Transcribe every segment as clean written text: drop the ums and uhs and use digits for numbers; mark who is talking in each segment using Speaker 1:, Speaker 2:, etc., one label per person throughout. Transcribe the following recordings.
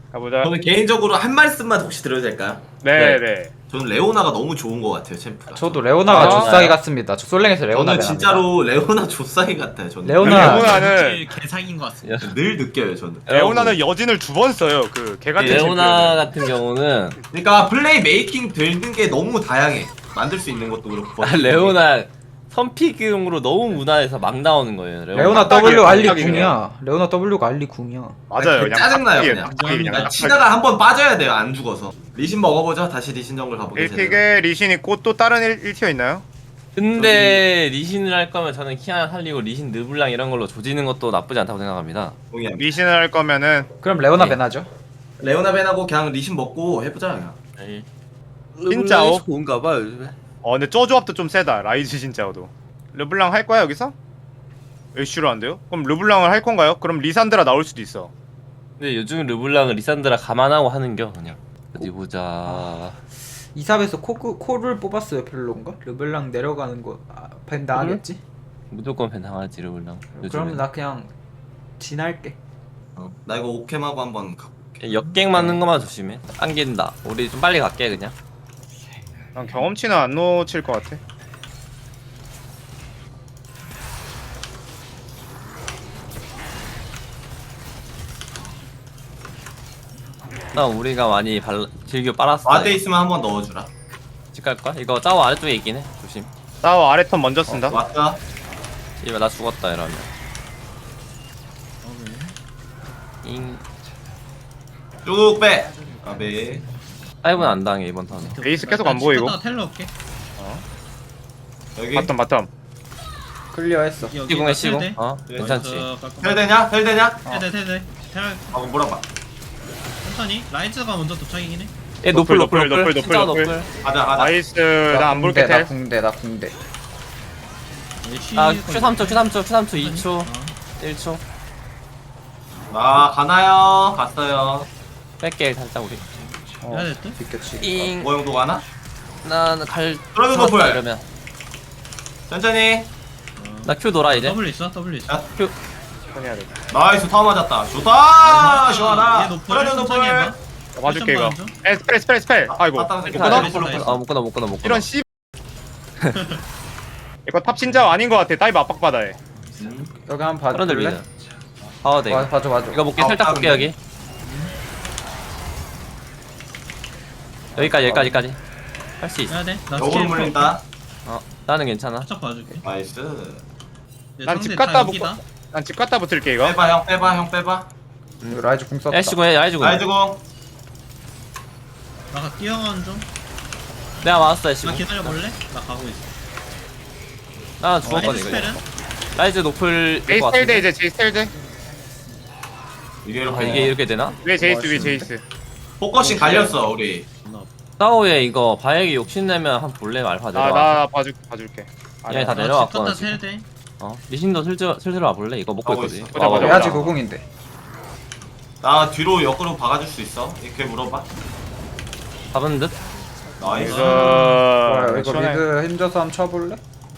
Speaker 1: 가보자.
Speaker 2: 저는 개인적으로 한 말씀만 혹시 드려도 될까요?
Speaker 1: 네네.
Speaker 2: 저는 레오나가 너무 좋은 것 같아요, 챔프가.
Speaker 3: 저도 레오나가
Speaker 1: 아,
Speaker 3: 조싸기 같습니다. 저 솔랭에서 레오나
Speaker 2: 저는 진짜로 레오나 조싸이 같아요. 저는
Speaker 3: 레오나.
Speaker 1: 레오나는
Speaker 4: 개사기인 것 같습니다.
Speaker 2: 늘 느껴요, 저는.
Speaker 1: 레오나는 여진을 2번 써요. 그 개같은
Speaker 5: 레오나
Speaker 1: 챔피언은.
Speaker 5: 같은 경우는
Speaker 2: 그러니까 플레이 메이킹 되는 게 너무 다양해. 만들 수 있는 것도 그렇고.
Speaker 5: 레오나 선픽용으로 너무 무난해서 막 나오는 거예요.
Speaker 3: 레오나
Speaker 1: 딱딱이에요,
Speaker 3: W 알리
Speaker 1: 딱딱이
Speaker 3: 궁이야. 레오나 W가 알리 궁이야.
Speaker 1: 맞아요. 그냥
Speaker 2: 짜증나요,
Speaker 1: 딱딱이에요,
Speaker 2: 그냥.
Speaker 1: 딱딱이 그냥.
Speaker 2: 그러니까 치다가 한번 빠져야 돼요, 안 죽어서. 리신 먹어보죠. 다시 리신 정글 가보겠습니다.
Speaker 1: 1픽에 리신 있고 또 다른 1티어 있나요?
Speaker 5: 근데 리신을 할 거면 저는 키아나 살리고 리신 르블랑 이런 걸로 조지는 것도 나쁘지 않다고 생각합니다.
Speaker 2: 동의합니다.
Speaker 1: 리신을 할 거면은
Speaker 3: 그럼 레오나
Speaker 5: 네.
Speaker 3: 배나죠?
Speaker 2: 레오나 벤하고 그냥 리신 먹고 해보자, 그냥.
Speaker 1: 진짜
Speaker 5: 좋은가 봐요 요즘에.
Speaker 1: 근데 저 조합도 좀 세다. 라이즈 진짜도. 르블랑 할 거야 여기서? 애쉬로 안 돼요? 그럼 르블랑을 할 건가요? 그럼 리산드라 나올 수도 있어.
Speaker 5: 근데 요즘 르블랑은 리산드라 감안하고 하는겨 그냥. 어디 보자.
Speaker 3: 이삽에서 코를 뽑았어요. 별론가? 르블랑 내려가는 거 밴드 하겠지?
Speaker 5: 무조건 벤 당하지 르블랑.
Speaker 3: 그럼 나 그냥 진할게.
Speaker 2: 나 이거 오캠하고 한번 가볼게.
Speaker 5: 역갱 맞는 것만 조심해. 안긴다. 우리 좀 빨리 갈게 그냥.
Speaker 1: 난 경험치는 안 놓칠 것 같아.
Speaker 5: 나 우리가 많이 즐겨 빨았어.
Speaker 2: 와드 있으면 한번 넣어주라.
Speaker 5: 집 갈까? 이거 짜오 아래쪽에 있긴 해. 조심.
Speaker 1: 싸워 아래 턴 먼저 쓴다.
Speaker 2: 왔다.
Speaker 5: 이봐 나 죽었다 이러면. 잉.
Speaker 2: 쭉 빼. 까비.
Speaker 5: 다이브는 안 당해 이번 턴에.
Speaker 1: 에이스 계속 안 보이고.
Speaker 4: 텔러 올게.
Speaker 2: 여기.
Speaker 1: 바텀 바텀.
Speaker 3: 클리어했어.
Speaker 5: 시공해 시공. 어 괜찮지.
Speaker 2: 텔 되냐? 텔 되냐?
Speaker 4: 테드.
Speaker 2: 물어봐.
Speaker 4: 천천히. 라이즈가 먼저 도착이긴 해.
Speaker 5: 얘 노플
Speaker 1: 노플,
Speaker 5: 노플
Speaker 1: 노플,
Speaker 5: 진짜
Speaker 1: 노플.
Speaker 5: 노플.
Speaker 2: 가자, 가자.
Speaker 1: 나이스. 나 안 볼게
Speaker 3: 나
Speaker 1: 텔.
Speaker 3: 궁대 나 궁대.
Speaker 5: 아 Q3초 Q3초 Q3초 2초 1초.
Speaker 2: 아, 가나요? 갔어요.
Speaker 5: 뺄게 살짝 우리.
Speaker 4: 해야 될 듯?
Speaker 3: 비켜치.
Speaker 5: 잉.
Speaker 2: 뭐 정도 가나?
Speaker 5: 나는 갈.
Speaker 2: 그러면
Speaker 5: 죽었다,
Speaker 2: 노플.
Speaker 5: 이러면.
Speaker 2: 천천히.
Speaker 5: 나 Q 돌아 이제.
Speaker 4: W 있어? W 있어.
Speaker 2: 야,
Speaker 5: Q.
Speaker 1: 해야 돼.
Speaker 2: 나이스, 타워 맞았다. 좋다! 시원하다.
Speaker 4: 얘 노플.
Speaker 2: 그러면
Speaker 4: 천천히
Speaker 2: 노플.
Speaker 4: 해봐.
Speaker 1: 봐줄게 이거.
Speaker 4: 좀
Speaker 1: 스펠. 아이고.
Speaker 2: 맞다,
Speaker 1: 이거
Speaker 2: 맞다.
Speaker 1: 끊어?
Speaker 4: 나이스.
Speaker 5: 못 끊어 못 끊어 못 끊어.
Speaker 1: 이런 씨. 이거 탑 진짜 아닌 것 같아. 다이브 압박받아 해.
Speaker 3: 여기 한번
Speaker 5: 사람들
Speaker 3: 봐줄래?
Speaker 5: 믿어. 아 네.
Speaker 3: 봐줘.
Speaker 5: 이거 볼게
Speaker 2: 아,
Speaker 5: 살짝
Speaker 2: 아,
Speaker 5: 볼게
Speaker 2: 근데.
Speaker 5: 여기. 여기까지. 할 수 있어.
Speaker 4: 해야 돼. 나
Speaker 2: 역으로
Speaker 4: 스킬
Speaker 2: 물린다.
Speaker 5: 어 나는 괜찮아.
Speaker 4: 살짝 봐줄게.
Speaker 2: 나이스.
Speaker 1: 난 집 갔다 난 집 갔다 붙을게 이거.
Speaker 2: 빼봐, 형, 빼봐, 형, 빼봐.
Speaker 3: 이거 라이즈 궁 썼다.
Speaker 5: 애쉬고 해 애쉬고.
Speaker 2: 나이즈공.
Speaker 4: 나가 뛰어가는 좀.
Speaker 5: 내가 맞았어 애쉬고.
Speaker 4: 나 기다려볼래? 나 가고 있어.
Speaker 5: 나 죽었거든
Speaker 4: 라이즈
Speaker 5: 이거.
Speaker 4: 스펠은?
Speaker 5: 라이즈 노플.
Speaker 1: 제이스 텔 돼 이제 제이스 텔 돼.
Speaker 2: 이게
Speaker 5: 아 이게 이렇게 되나?
Speaker 1: 왜 제이스.
Speaker 2: 포커싱 갈렸어, 우리.
Speaker 5: 싸우에 이거 바에게 욕심내면 한 볼래 알파 내려와.
Speaker 1: 나 봐줄게.
Speaker 5: 얘네 다
Speaker 4: 나
Speaker 5: 내려왔거든
Speaker 4: 집 갔다
Speaker 5: 지금.
Speaker 4: 텔 돼.
Speaker 5: 리신도 슬슬 와볼래? 이거 먹고
Speaker 2: 가고
Speaker 5: 있거든.
Speaker 2: 있어.
Speaker 1: 보자, 보자.
Speaker 3: 해야지 고궁인데.
Speaker 2: 나 뒤로 역으로 박아줄 수 있어. 이렇게 물어봐.
Speaker 5: 잡은 듯?
Speaker 2: 나이스.
Speaker 3: 좋아요. 이거
Speaker 1: 시원해.
Speaker 3: 미드 힘줘서 한번 쳐볼래?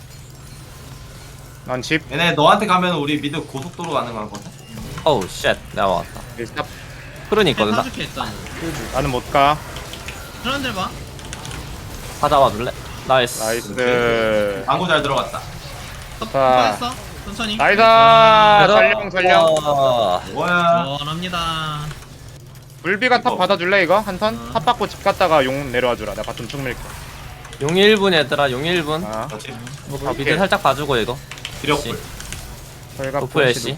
Speaker 1: 난 집.
Speaker 2: 얘네 너한테 가면 우리 미드 고속도로 가능하거든.
Speaker 5: 어우 쉣 내가 왔다.
Speaker 1: 탑.
Speaker 5: 프론이 있거든 나.
Speaker 4: 파줄게 일단.
Speaker 1: 나는 못 가.
Speaker 4: 사람들 봐.
Speaker 5: 다 잡아줄래? 나이스.
Speaker 1: 나이스.
Speaker 2: 방구 잘 들어갔다.
Speaker 1: 좋다.
Speaker 4: 했어. 천천히.
Speaker 1: 나이스. 전령.
Speaker 2: 뭐야?
Speaker 4: 원합니다.
Speaker 1: 물비가 탑 받아줄래 이거 한 턴? 탑 받고 집 갔다가 용 내려와 주라. 내가 바텀 쭉 밀게.
Speaker 5: 용 1분 얘들아 용 1분.
Speaker 1: 아.
Speaker 2: 그렇지.
Speaker 5: 미드 살짝 봐주고 이거.
Speaker 2: 기력불.
Speaker 1: 저희가
Speaker 5: 노플 애쉬.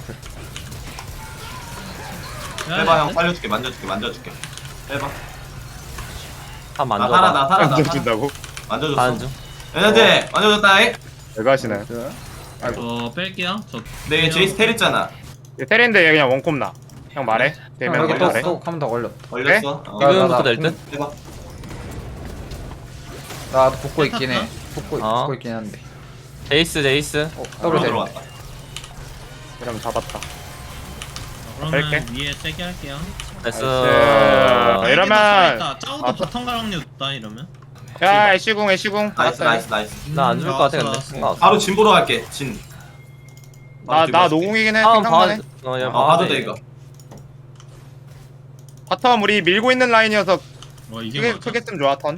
Speaker 2: 빼봐, 형 살려줄게. 만져줄게. 빼봐.
Speaker 5: 한
Speaker 2: 나
Speaker 5: 만져봐.
Speaker 2: 살아.
Speaker 1: 만져준다고?
Speaker 2: 만져줬어.
Speaker 5: 안 줘.
Speaker 2: 얘네들 만져줬다잉.
Speaker 1: 내가 하시나요?
Speaker 4: 뺄게요.
Speaker 2: 내 제이스 텔 있잖아.
Speaker 1: 테렌데 얘 그냥 원콤 나. 형 말해. 되면
Speaker 3: 여기
Speaker 1: 형
Speaker 3: 또
Speaker 1: 말해.
Speaker 3: 한번 더 걸렸다.
Speaker 2: 걸렸어.
Speaker 5: 지금부터 될 듯?
Speaker 2: 빼봐.
Speaker 3: 나도 붙고 있긴 해. 붙고
Speaker 5: 어.
Speaker 3: 있긴 한데.
Speaker 5: 제이스.
Speaker 3: 더블 대.
Speaker 2: 들어왔다.
Speaker 1: 그럼 잡았다.
Speaker 4: 그러면
Speaker 1: 뺄게.
Speaker 4: 위에 세게 할게요.
Speaker 5: 나이스.
Speaker 1: 나이스. 이러면
Speaker 4: 짜오도
Speaker 1: 아,
Speaker 4: 바텀 가랑류 없다 이러면.
Speaker 1: 야 애쉬궁
Speaker 2: 나이스.
Speaker 5: 나 안 죽을 것 같아 근데.
Speaker 4: 나왔어.
Speaker 5: 상관없어.
Speaker 2: 바로 진 보러 갈게. 진.
Speaker 1: 나 노공이긴 해.
Speaker 5: 다음 봐.
Speaker 1: 생각나네.
Speaker 5: 어, 야,
Speaker 2: 봐도 돼 이거.
Speaker 1: 바텀 우리 밀고 있는 라인이어서
Speaker 4: 와 이게
Speaker 1: 크게,
Speaker 4: 맞아?
Speaker 1: 크게 쓰면 좋아 턴.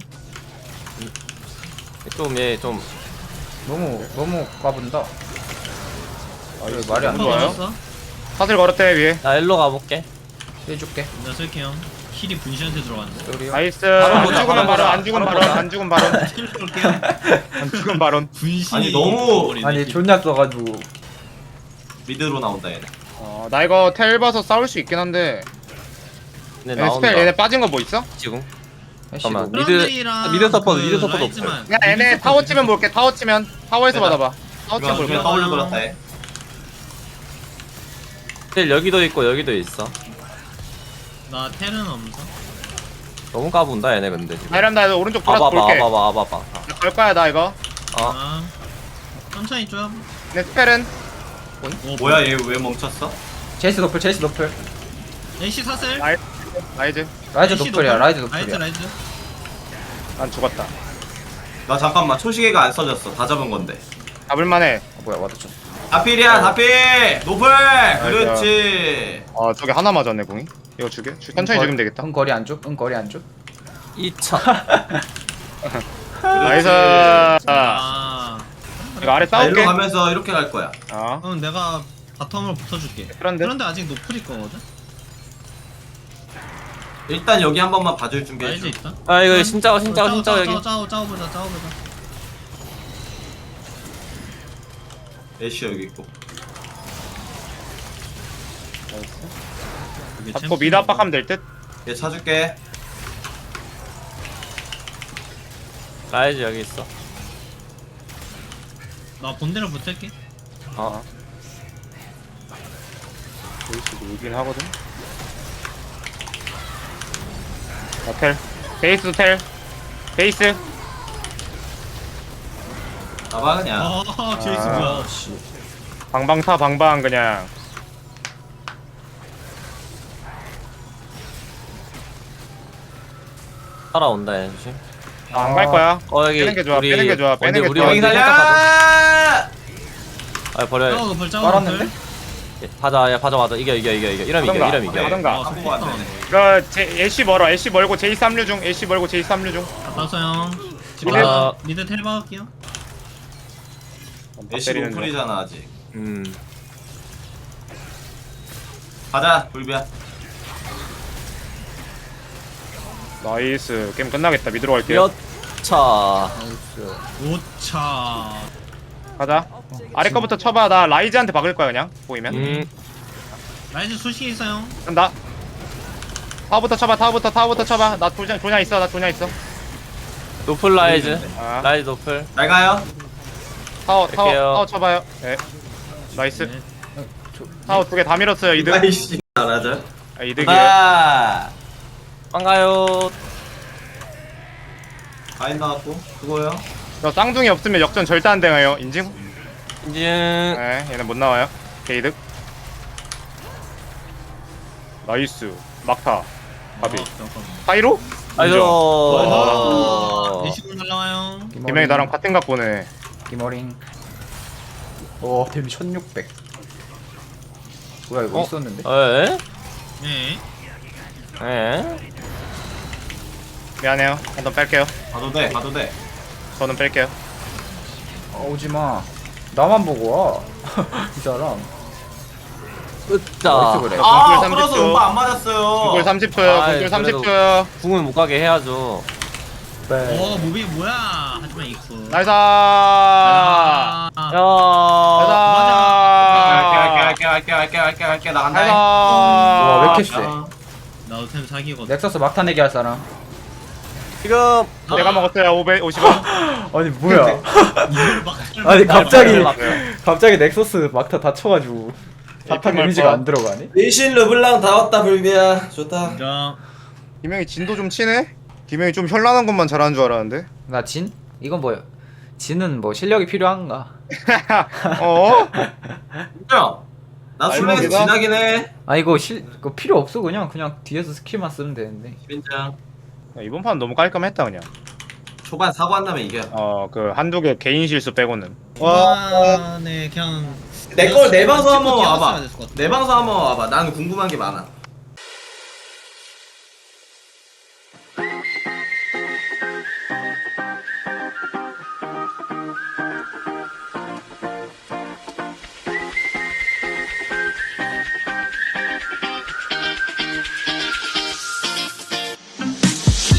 Speaker 5: 좀얘좀
Speaker 3: 너무 까분다. 이거 말이 안
Speaker 1: 너무 좋아요.
Speaker 4: 좋아요?
Speaker 1: 사슬 걸었대 위에.
Speaker 5: 나 일로 가볼게.
Speaker 3: 해줄게.
Speaker 4: 나 쓸게요. 힐이 분신한테 들어갔는데.
Speaker 3: 우리
Speaker 1: 나이스.
Speaker 2: 바로
Speaker 1: 안
Speaker 2: 보자,
Speaker 1: 죽으면
Speaker 2: 바로
Speaker 1: 바론,
Speaker 2: 보자.
Speaker 1: 안 죽으면
Speaker 2: 바로
Speaker 1: 바론,
Speaker 2: 보자.
Speaker 1: 안 죽으면 바론,
Speaker 4: 힐 쏠게요.
Speaker 1: 안 죽으면 바론.
Speaker 4: 분신이
Speaker 2: 아니, 너무-
Speaker 4: 버리네,
Speaker 3: 아니
Speaker 4: 힐.
Speaker 3: 존나 써가지고.
Speaker 2: 미드로 나온다 얘네.
Speaker 1: 나 이거 텔 봐서 싸울 수 있긴 한데.
Speaker 5: 근데
Speaker 1: 얘네
Speaker 5: 나온다.
Speaker 1: 스펠 얘네 빠진 거 뭐 있어?
Speaker 5: 지금.
Speaker 3: 애쉬도.
Speaker 5: 잠깐만.
Speaker 4: 프런들이랑
Speaker 5: 미드 서포트,
Speaker 4: 그
Speaker 5: 미드 서포트
Speaker 4: 라이즈만.
Speaker 1: 그냥 얘네
Speaker 4: 미드
Speaker 1: 타워
Speaker 4: 서포트,
Speaker 1: 치면
Speaker 4: 미드
Speaker 1: 볼게. 타워 치면 타워에서
Speaker 2: 내가-
Speaker 1: 받아봐. 타워 치면
Speaker 2: 이거
Speaker 1: 볼게.
Speaker 2: 이거 더블로 돌았다 얘.
Speaker 5: 텔 여기도 있고 여기도 있어.
Speaker 4: 나 텔은 없어.
Speaker 5: 너무 까분다 얘네 근데 지금.
Speaker 1: 나이람 나 오른쪽 돌아서
Speaker 5: 아봐봐
Speaker 1: 볼게.
Speaker 5: 아봐봐.
Speaker 1: 걸 거야 나 이거.
Speaker 4: 아. 천천히 좀.
Speaker 1: 내 스펠은
Speaker 4: 오,
Speaker 2: 뭐야 얘 왜 멈췄어?
Speaker 3: 제이스 노플 제이스 노플.
Speaker 4: 애쉬 사슬.
Speaker 1: 라이즈. 라이즈.
Speaker 3: 라이즈
Speaker 4: 애쉬
Speaker 3: 노플이야
Speaker 4: 노플.
Speaker 3: 라이즈
Speaker 4: 라이즈
Speaker 3: 노플이야.
Speaker 4: 라이즈.
Speaker 1: 난 죽었다.
Speaker 2: 나 잠깐만 초시계가 안 써졌어. 다 잡은 건데.
Speaker 1: 잡을만해.
Speaker 3: 뭐야 와드쳤어.
Speaker 2: 다필이야 다필. 노플. 그렇지.
Speaker 1: 저게 하나 맞았네 공이. 이거 주게. 천천히 죽으면 되겠다.
Speaker 3: 응 거리 안 줘? 응 거리 안 줘?
Speaker 5: 2차.
Speaker 1: 나이스.
Speaker 4: 아.
Speaker 1: 이거 아래
Speaker 2: 나 일로
Speaker 1: 싸울게.
Speaker 2: 가면서 이렇게 갈 거야.
Speaker 4: 그럼 내가 바텀으로 붙어줄게.
Speaker 1: 그런데
Speaker 4: 그런데 아직 노플일 거거든.
Speaker 2: 일단 여기 한 번만 봐줄 준비해
Speaker 4: 라이즈
Speaker 2: 줘.
Speaker 4: 있다.
Speaker 5: 아 이거 진짜 여기.
Speaker 4: 짜오보자.
Speaker 2: 애쉬 여기 있고.
Speaker 1: 잡고 미드 압박하면 될 듯.
Speaker 2: 얘 차줄게.
Speaker 5: 라이즈 여기 있어.
Speaker 4: 나 본대로 붙을게.
Speaker 5: 어.
Speaker 1: 보일 수도 있긴 하거든. 텔. 베이스 텔. 베이스.
Speaker 2: 나봐 그냥.
Speaker 4: 제이스
Speaker 1: 아.
Speaker 4: 뭐야?
Speaker 1: 방방 타 방방 그냥.
Speaker 5: 따라온다 얘 조심.
Speaker 1: 안 갈 거야.
Speaker 5: 여기
Speaker 1: 빼는 게 좋아, 빼는 게 좋아, 빼는 게
Speaker 5: 우리
Speaker 1: 좋아.
Speaker 2: 여기
Speaker 5: 원딜
Speaker 2: 살려.
Speaker 5: 살짝 가자. 아 버려.
Speaker 4: 짜오 노플
Speaker 3: 빨았는데?
Speaker 5: 가자 야 가자 이겨. 이러면 이겨.
Speaker 1: 하던가.
Speaker 5: 이러면 이겨.
Speaker 1: 하던가.
Speaker 2: 갖고 안 되네.
Speaker 1: 이거 애쉬 멀어. 애쉬 멀고 제이 3류 중. 애쉬 멀고 제이 3류 중.
Speaker 4: 갔다 형.
Speaker 5: 아.
Speaker 4: 미드 텔 박을게요.
Speaker 2: 애쉬 노플이잖아 아직.
Speaker 5: 음.
Speaker 2: 가자 불비야.
Speaker 1: 나이스. 게임 끝나겠다. 미드로 갈게.
Speaker 5: 몇 차.
Speaker 3: 나이스.
Speaker 4: 5차.
Speaker 1: 가자. 아래 거부터 쳐봐. 나 라이즈한테 박을 거야 그냥. 보이면.
Speaker 4: 라이즈 수식이 있어요.
Speaker 1: 간다. 타워부터 쳐봐. 타워부터 쳐봐. 나 조냐 있어. 나 조냐 있어.
Speaker 5: 노플 라이즈.
Speaker 1: 아.
Speaker 5: 라이즈 노플.
Speaker 2: 잘 가요.
Speaker 5: 갈게요.
Speaker 1: 타워 쳐봐요. 네. 나이스.
Speaker 4: 네.
Speaker 1: 타워 두 개 다 밀었어요. 이득.
Speaker 2: 아이씨. 알아줘.
Speaker 1: 이득이에요.
Speaker 2: 아.
Speaker 5: 반가요.
Speaker 2: 아인 나왔고. 그거요.
Speaker 1: 저 쌍둥이 없으면 역전 절대 안 되나요? 인증?
Speaker 5: 인증.
Speaker 1: 네. 얘는 못 나와요. 개이득. 나이스. 막타. 바비.
Speaker 4: 잠깐만.
Speaker 1: 파이로?
Speaker 5: 아이고.
Speaker 1: 어.
Speaker 4: 대시군 날라와요.
Speaker 1: 김영이 나랑 같은 각 보네.
Speaker 3: 기머링. 오 데미 1600. 뭐야 이거 있었는데?
Speaker 5: 에?
Speaker 4: 네.
Speaker 5: 에?
Speaker 1: 미안해요. 한번 뺄게요.
Speaker 2: 가도 돼. 가도 돼.
Speaker 1: 저는 뺄게요.
Speaker 3: 오지마. 나만 보고 와. 이 사람.
Speaker 5: 으짜.
Speaker 3: 어디서 그래?
Speaker 2: 아
Speaker 1: 동굴
Speaker 2: 끌어서
Speaker 1: 30초.
Speaker 2: 연마 안 맞았어요.
Speaker 1: 공굴 30초요.
Speaker 5: 아이,
Speaker 1: 공굴
Speaker 5: 그래도-
Speaker 1: 30초요.
Speaker 5: 궁은 못 가게 해야죠.
Speaker 3: 네.
Speaker 4: 오 무비 뭐야? 하지만 이쿠.
Speaker 1: 나이스.
Speaker 4: 아.
Speaker 5: 야.
Speaker 2: 갈게 나 간다.
Speaker 1: 나이스.
Speaker 3: 와, 왜 이렇게 세?
Speaker 4: 나도 템 사기거든.
Speaker 3: 넥서스 막타 내기 할 사람.
Speaker 5: 지금
Speaker 1: 내가 먹었어요. 550원.
Speaker 3: 아니 뭐야?
Speaker 4: 이걸 막.
Speaker 3: 아니 갑자기
Speaker 5: 막-
Speaker 3: 갑자기 넥서스 막타 다 쳐가지고 사탕
Speaker 1: 에이핑
Speaker 3: 데미지가
Speaker 1: 말파.
Speaker 3: 안 들어가네?
Speaker 2: 리신 르블랑 다 왔다 불비야. 좋다.
Speaker 4: 인정.
Speaker 1: 김영이 진도 좀 치네? 김영이 좀 현란한 것만 잘하는 줄 알았는데.
Speaker 3: 나 진? 이건 뭐야? 진은 뭐 실력이 필요한가?
Speaker 1: 어?
Speaker 2: 인정. 나 술래에서
Speaker 1: 알먹이다?
Speaker 2: 지나긴 해.
Speaker 3: 아 이거 이거 필요 없어 그냥 뒤에서 스킬만 쓰면 되는데.
Speaker 2: 인정.
Speaker 1: 이번 판 너무 깔끔했다 그냥.
Speaker 2: 초반 사고 안 나면 이겨.
Speaker 1: 그 한두 개 개인 실수 빼고는.
Speaker 4: 와, 네 그냥
Speaker 2: 내 걸 내 방송 한번
Speaker 4: 찍고
Speaker 2: 와봐.
Speaker 4: 뛰었어야 됐을 것 같아.
Speaker 2: 내 방송 한번 와봐. 난 궁금한 게 많아.